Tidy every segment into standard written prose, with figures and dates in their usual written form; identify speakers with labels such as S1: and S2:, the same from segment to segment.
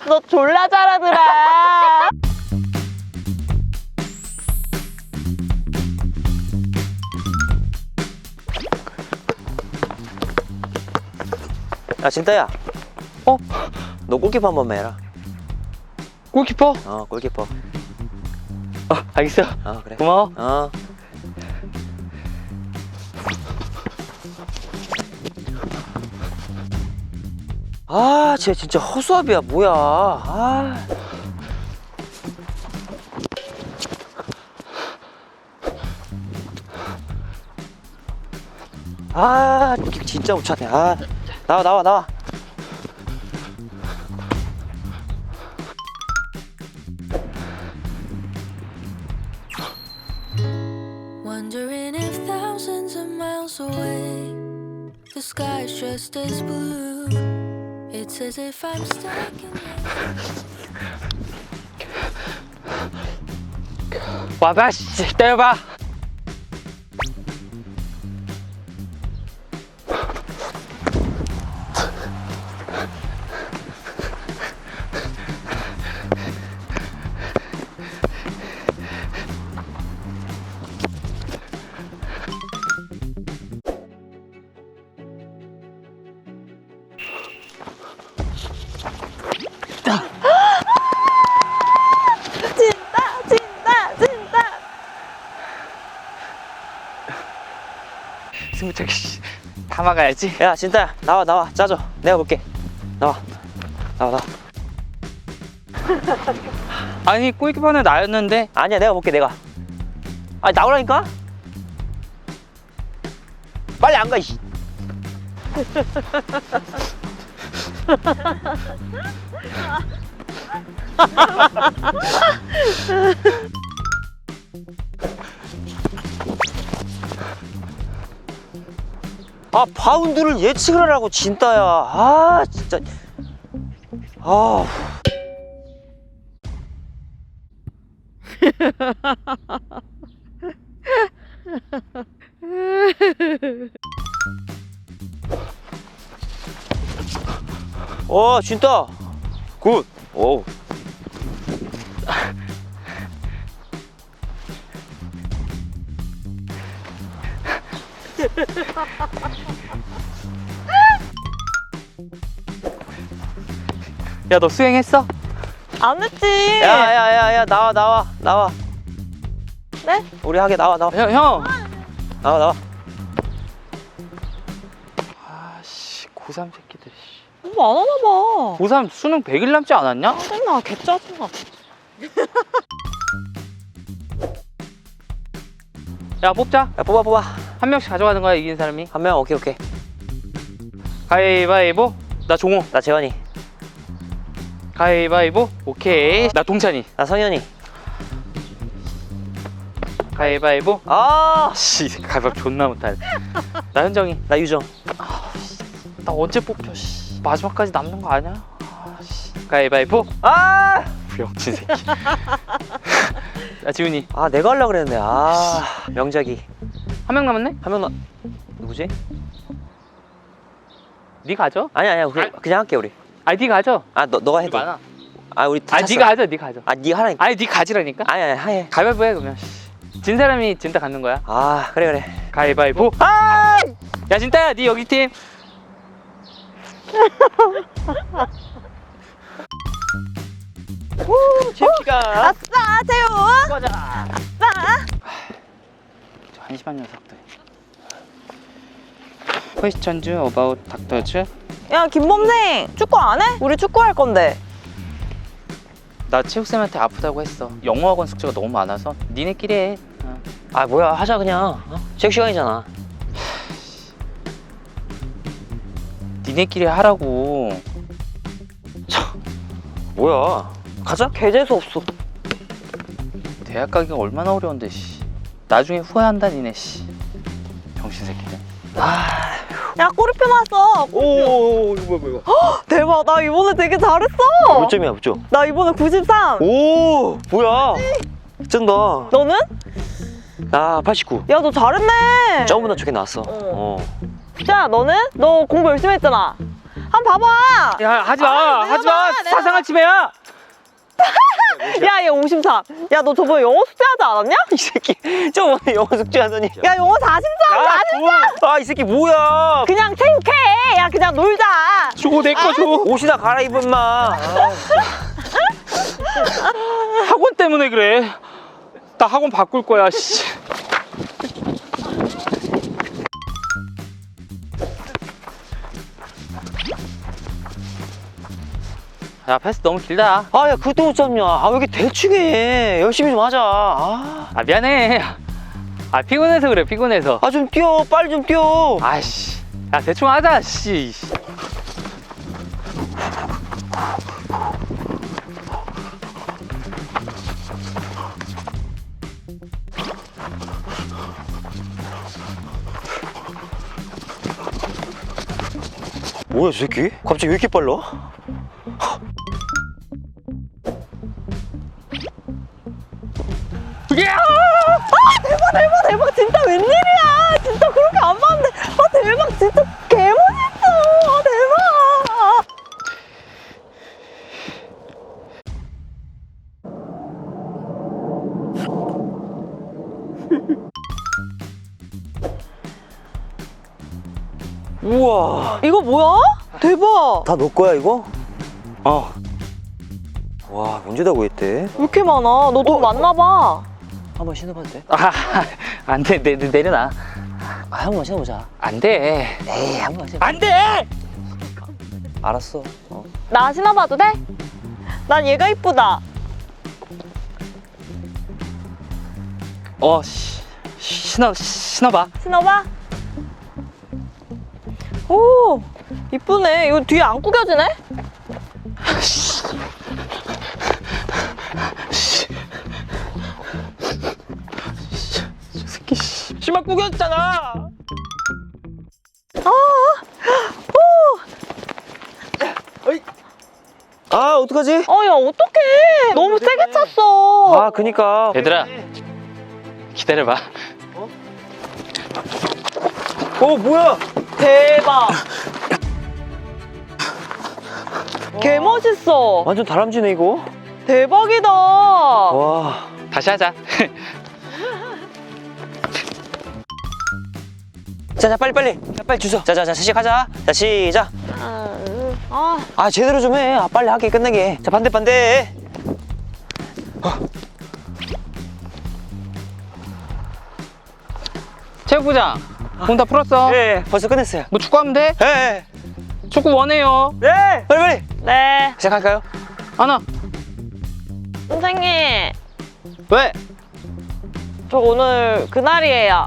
S1: 너 졸라 잘하더라.
S2: 야 진따야.
S3: 어?
S2: 너 골키퍼 한 번만 해라.
S3: 골키퍼?
S2: 골키퍼.
S3: 알겠어.
S2: 그래.
S3: 고마워.
S2: 쟤 진짜 허수아비야 뭐야. 진짜 못 찾네. 나와.
S4: Wondering if thousands of miles away the sky is just as blue. It's as if I'm stuck in
S3: 와봐, 씨. 때려봐.
S1: 진짜.
S3: 승부차기, 씨. 다 막아야지.
S2: 야 진따야 나와 짜줘. 내가 볼게. 나와.
S3: 아니, 골키퍼는 나였는데.
S2: 아니야 내가 볼게 내가. 나오라니까. 빨리 안 가. 이씨. 바운드를 예측을 하라고 진따야. 진짜. 진따. 굿. 오.
S3: 야, 너 수행했어?
S1: 안 했지.
S2: 야 나와.
S1: 네?
S2: 우리 하게 나와.
S3: 형.
S2: 나와.
S3: 아씨, 고3 새끼들.
S1: 공부 안 하나 봐.
S3: 고3 수능 100일 남지 않았냐?
S1: 짜증나. 개짜증나.
S3: 야, 뽑자.
S2: 야 뽑아.
S3: 한 명씩 가져가는 거야, 이긴 사람이.
S2: 한 명. 오케이.
S3: 가위바위보. 나 종호.
S2: 나 재환이.
S3: 가위바위보. 오케이. 나 동찬이.
S2: 나 성현이.
S3: 가위바위보. 씨, 가위바위보 존나 못하네. 나 현정이.
S2: 나 유정.
S3: 나 언제 뽑혀, 씨. 마지막까지 남는 거 아니야? 씨. 가위바위보. 병신 새끼. 나 지훈이.
S2: 내가 하려고 그랬는데. 명작이.
S3: 한 명 남았네?
S2: 한 명 누구지?
S3: 네 가져.
S2: 아니야 그냥 할게 우리.
S3: 네 가져.
S2: 너가 해도.
S3: 많아.
S2: 우리 다 찼어.
S3: 네가 하자, 네가 하자.
S2: 네가 하라니까.
S3: 네 가지라니까.
S2: 아니야 해.
S3: 가위바위보 해, 그러면. 진 사람이 진짜 갖는 거야.
S2: 그래.
S3: 가위바위보. 야, 진짜야, 네 여기 팀.
S2: 재밌가.
S1: 아싸, 재훈.
S2: 가자.
S1: 아싸.
S3: 저 한심한 녀석들. 퀘스천즈 어바웃 닥터즈.
S1: 야, 김범생. 축구 안 해? 우리 축구 할 건데.
S3: 나 체육쌤한테 아프다고 했어. 영어학원 숙제가 너무 많아서 니네끼리 해.
S2: 뭐야 하자 그냥. 체육 시간이잖아.
S3: 니네끼리 하라고.
S2: 뭐야. 가자.
S1: 개 재수 없어.
S3: 대학 가기가 얼마나 어려운데, 씨. 나중에 후회한다, 니네, 씨. 병신 새끼들.
S1: 야, 꼬리표 나왔어.
S2: 오 이거 뭐야.
S1: 대박. 나 이번에 되게 잘했어.
S2: 몇 점이야 몇 점?
S1: 나 이번에 93.
S2: 오 뭐야. 쩐다.
S1: 너는?
S2: 나 89.
S1: 야, 너 잘했네.
S2: 점보다 좋게 나왔어.
S1: 자, 너는? 너 공부 열심히 했잖아. 한번 봐봐.
S3: 야 하지마 하지마
S1: 내가
S3: 사상한 침해야.
S1: 야, 얘 53. 야, 너 저번에 영어 숙제하지 않았냐?
S2: 이 새끼 저번에 영어 숙제하더니.
S1: 야, 영어 43.
S2: 아, 이 새끼 뭐야?
S1: 그냥 생쾌해. 야, 그냥 놀자.
S3: 줘 내 거 줘.
S2: 옷이나 갈아입어 임마.
S3: 학원 때문에 그래. 나 학원 바꿀 거야. 씨. 야 패스 너무 길다.
S2: 아, 야, 그것도 못 잡냐? 아, 왜 이렇게 대충 해? 열심히 좀 하자.
S3: 아 미안해. 아 피곤해서 그래 피곤해서.
S2: 아, 좀 뛰어. 빨리 좀 뛰어.
S3: 아이씨. 야 대충 하자 씨.
S2: 뭐야, 저 새끼? 갑자기 왜 이렇게 빨라?
S1: 대박. 진짜 웬일이야. 진짜 그렇게 안 봤는데. 아, 대박. 진짜 개멋있어. 아, 대박.
S2: 우와.
S1: 이거 뭐야? 대박.
S2: 다 너 거야, 이거? 와, 언제 다 구했대?
S1: 왜 이렇게 많아? 너 돈 많나 봐.
S2: 한번 신어봐도 돼?
S3: 아 안돼 내려놔.
S2: 아, 한번 신어보자.
S3: 안돼.
S2: 에이, 한번 신어.
S3: 안돼.
S2: 알았어.
S1: 나 신어봐도 돼? 난 얘가 이쁘다.
S3: 신어봐.
S1: 신어봐. 오, 이쁘네. 이거 뒤에 안 구겨지네?
S3: 저 새끼 씨. 신발 구겼잖아.
S2: 아, 어떡하지?
S1: 야, 어떡해. 너무 세게 찼어.
S2: 아, 그니까.
S3: 얘들아 기다려봐.
S2: 뭐야?
S1: 대박. 개 멋있어.
S2: 완전 다람쥐네, 이거.
S1: 대박이다.
S2: 와.
S3: 다시 하자.
S2: 자, 빨리. 자, 빨리 주소. 자, 시작하자. 자, 시작. 아, 제대로 좀 해. 아, 빨리 하게, 끝내게. 자, 반대.
S3: 체육부장 공 다 풀었어.
S2: 네, 벌써 끝냈어요.
S3: 뭐 축구하면 돼?
S2: 네.
S3: 축구 원해요.
S2: 네. 빨리.
S1: 네.
S2: 시작할까요?
S3: 하나.
S1: 선생님,
S3: 왜?
S1: 저 오늘 그날이에요.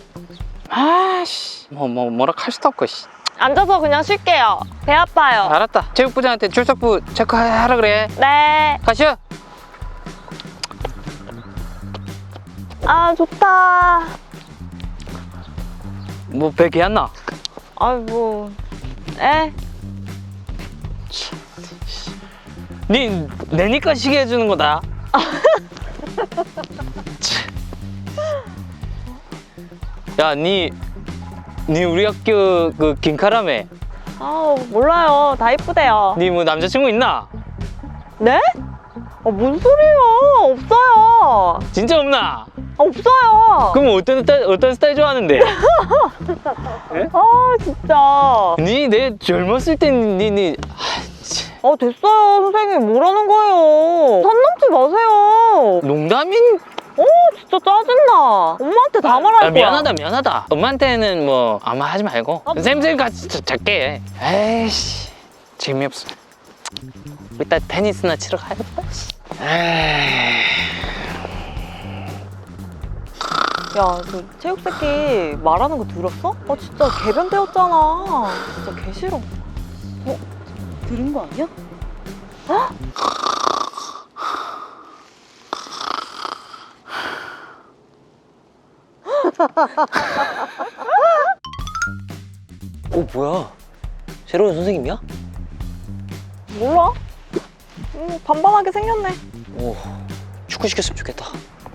S3: 아씨 뭐라 할 수도 없고 씨.
S1: 앉아서 그냥 쉴게요. 배 아파요.
S3: 알았다. 체육부장한테 출석부 체크하라 그래.
S1: 네.
S3: 가시오.
S1: 아, 좋다.
S3: 뭐 배기 안 나?
S1: 아이고. 에?
S3: 니 내니까 시계 해주는 거다. 야, 니 우리 학교 그 김카라메.
S1: 몰라요. 다 이쁘대요.
S3: 니 뭐 남자친구 있나?
S1: 네? 뭔 소리예요? 없어요.
S3: 진짜 없나?
S1: 없어요.
S3: 그럼 어떤 스타일 좋아하는데?
S1: 진짜.
S3: 니 내 젊었을 땐 니
S1: 됐어요. 선생님, 뭐라는 거예요? 선 넘지 마세요.
S3: 농담인?
S1: 진짜 짜증나. 엄마한테 다 말할 거야.
S3: 미안하다. 엄마한테는 뭐 아마 하지 말고 쌤 같이 작게 해. 에이씨 재미없어. 이따 테니스나 치러 가야겠다.
S1: 야, 그 체육 새끼 말하는 거 들었어? 진짜 개변 되었잖아. 진짜 개 싫어. 들은 거 아니야?
S2: 뭐야? 새로운 선생님이야?
S1: 몰라. 반반하게 생겼네.
S2: 오, 축구 시켰으면 좋겠다.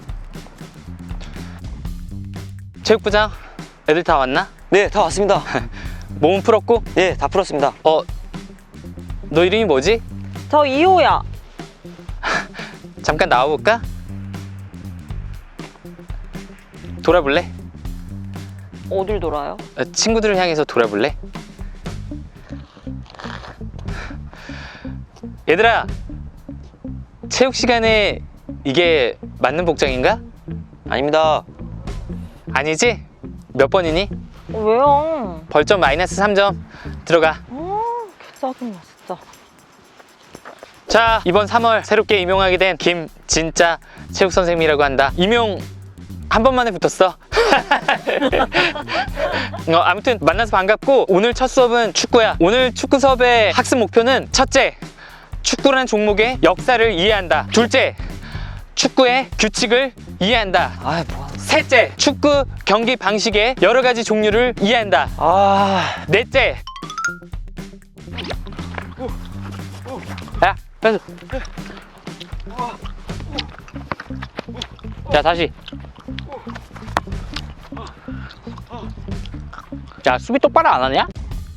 S3: 체육부장 애들 다 왔나?
S2: 네, 다 왔습니다.
S3: 몸은 풀었고?
S2: 네, 다 풀었습니다.
S3: 너 이름이 뭐지?
S1: 저 2호야.
S3: 잠깐 나와볼까? 돌아볼래?
S1: 어딜 돌아요?
S3: 친구들을 향해서 돌아볼래? 얘들아, 체육 시간에 이게 맞는 복장인가?
S2: 아닙니다.
S3: 아니지? 몇 번이니?
S1: 왜요?
S3: 벌점 마이너스 3점. 들어가.
S1: 짜증나 진짜.
S3: 자, 이번 3월 새롭게 임용하게 된 김진짜 체육 선생님이라고 한다. 임용 한 번만에 붙었어. 아무튼 만나서 반갑고, 오늘 첫 수업은 축구야. 오늘 축구 수업의 학습 목표는 첫째, 축구라는 종목의 역사를 이해한다. 둘째, 축구의 규칙을 이해한다.
S2: 아, 뭐.
S3: 셋째, 축구 경기 방식의 여러 가지 종류를 이해한다.
S2: 아,
S3: 넷째, 야, 펜스. 자, 다시. 야, 수비 똑바로 안 하냐?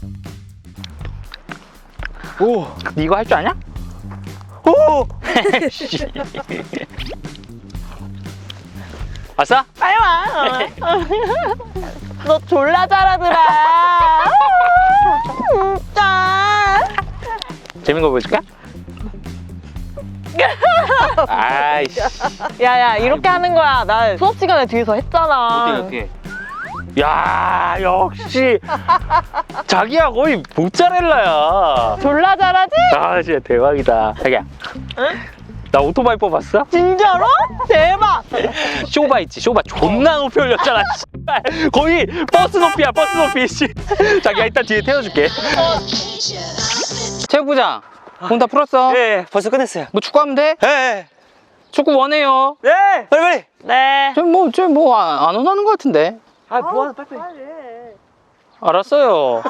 S2: 오,
S3: 니 이거 할 줄 아냐?
S2: 오.
S3: 왔어?
S1: 빨리 와. 너 졸라 잘하더라. 진짜.
S3: 재밌는 거 보여줄까? 아이씨.
S1: 야야 이렇게 하는 거야. 나 수업 시간에 뒤에서 했잖아.
S3: 어떻게? 야, 역시 자기야 거의 모짜렐라야.
S1: 졸라 잘하지?
S3: 아, 진짜 대박이다. 자기야,
S1: 응?
S3: 나 오토바이 뽑았어?
S1: 진짜로? 대박.
S3: 쇼바 있지, 쇼바 존나 높이 올렸잖아. 씨발. 거의 버스 높이야, 버스 높이. 씨. 자기야, 일단 뒤에 태워줄게. 체육부장, 공 다 풀었어?
S2: 네, 벌써 끝냈어요.
S3: 뭐 축구하면 돼?
S2: 네,
S3: 축구 원해요.
S2: 네, 빨리.
S1: 네.
S3: 뭐 안 원하는 것 같은데.
S2: 아, 뭐하나 빨리.
S3: 알았어요.